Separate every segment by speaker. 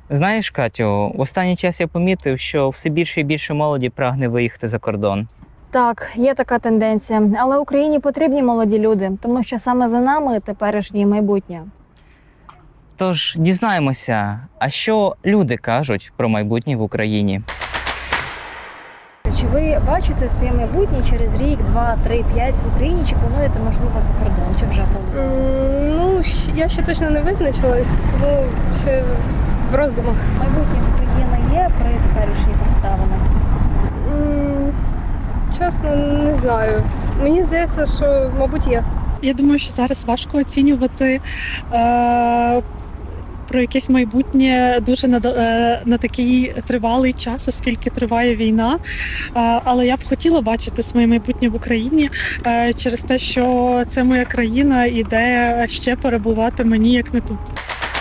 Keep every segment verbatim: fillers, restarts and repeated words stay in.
Speaker 1: Знаєш, Катю, в останній час я помітив, що все більше і більше молоді прагне виїхати за кордон.
Speaker 2: Так, є така тенденція, але Україні потрібні молоді люди, тому що саме за нами теперішнє майбутнє.
Speaker 1: Тож дізнаємося, а що люди кажуть про майбутнє в Україні.
Speaker 2: Чи ви бачите своє майбутнє через рік, два, три, п'ять в Україні? Чи плануєте, можливо, за кордон? Чи вже плануєте?
Speaker 3: М, Ну, щ- я ще точно не визначилась, тому ще в роздумах.
Speaker 2: Майбутнє в Україні є при теперішніх обставинах?
Speaker 3: М, Чесно, не знаю. Мені здається, що, мабуть, є.
Speaker 4: Я думаю, що зараз важко оцінювати е, про якесь майбутнє дуже на, е, на такий тривалий час, оскільки триває війна. Е, але я б хотіла бачити своє майбутнє в Україні е, через те, що це моя країна і де ще перебувати мені, як не тут.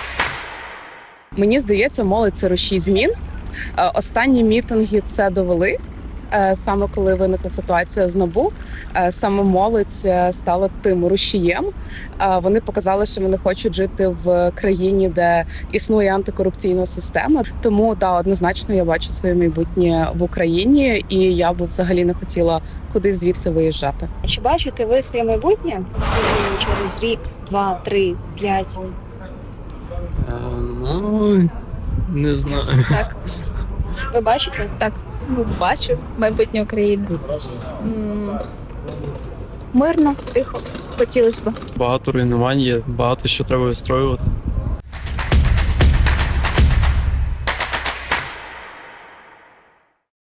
Speaker 5: Мені здається, молодь це рушій змін. Е, Останні мітинги це довели. Е, Саме коли виникла ситуація з НАБУ, е, саме молодь е, стала тим рушієм. Е, Вони показали, що вони хочуть жити в країні, де існує антикорупційна система. Тому да, однозначно я бачу своє майбутнє в Україні, і я би взагалі не хотіла кудись звідси виїжджати.
Speaker 2: Чи бачите ви своє майбутнє в Україні через рік, два, три, п'ять?
Speaker 6: Е, Ну, не знаю.
Speaker 7: Так,
Speaker 2: Ви бачите?
Speaker 7: так. Ну, бачу майбутнє України. М, Мирно, тихо. Хотілося б.
Speaker 6: Багато руйнувань є, багато що треба вистроювати.